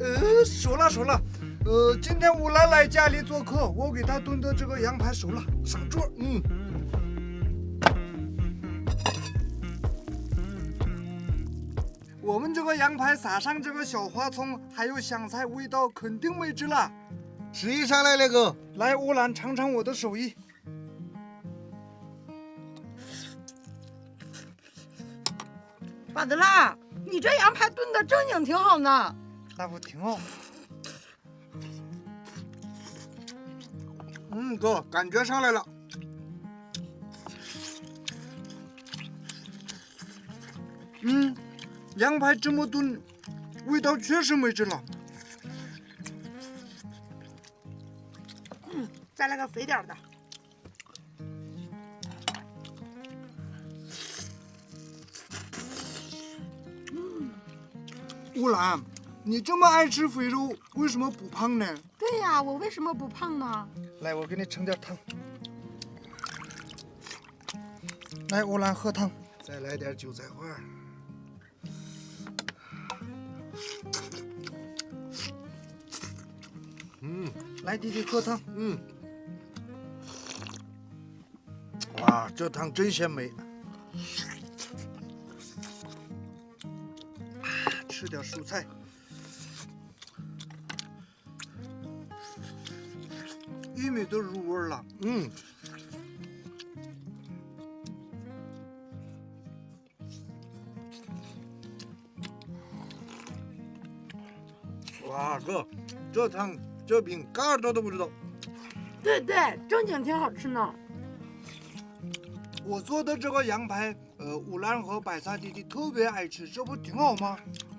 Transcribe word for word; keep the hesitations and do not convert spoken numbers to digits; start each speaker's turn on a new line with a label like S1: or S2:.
S1: 呃，熟了熟了。呃，今天乌兰来家里做客，我给他炖的这个羊排熟了，上桌。嗯。我们这个羊排撒上这个小花葱，还有香菜，味道肯定美极了。
S2: 吃一上来那个，
S1: 来，乌兰尝尝我的手艺。
S3: 巴德拉，你这羊排炖的正经挺好呢。
S1: 那不挺好？
S2: 嗯，哥，感觉上来了。
S1: 嗯，羊排这么炖，味道确实美极了。
S3: 嗯，再来个肥点的。
S1: 乌兰，你这么爱吃肥肉，为什么不胖呢？
S3: 对呀，我为什么不胖呢？
S1: 来，我给你盛点汤。来，乌兰喝汤。
S2: 再来点韭菜花。嗯，
S1: 来，弟弟喝汤。
S2: 嗯。哇，这汤真鲜美。
S1: 吃点蔬菜。玉米都入味了。
S2: 嗯。哇，哥，这汤这饼嘎耳朵都不知道。
S3: 对对，正经挺好吃呢。
S1: 我做的这个羊排，呃，乌兰和白菜弟弟特别爱吃，这不挺好吗？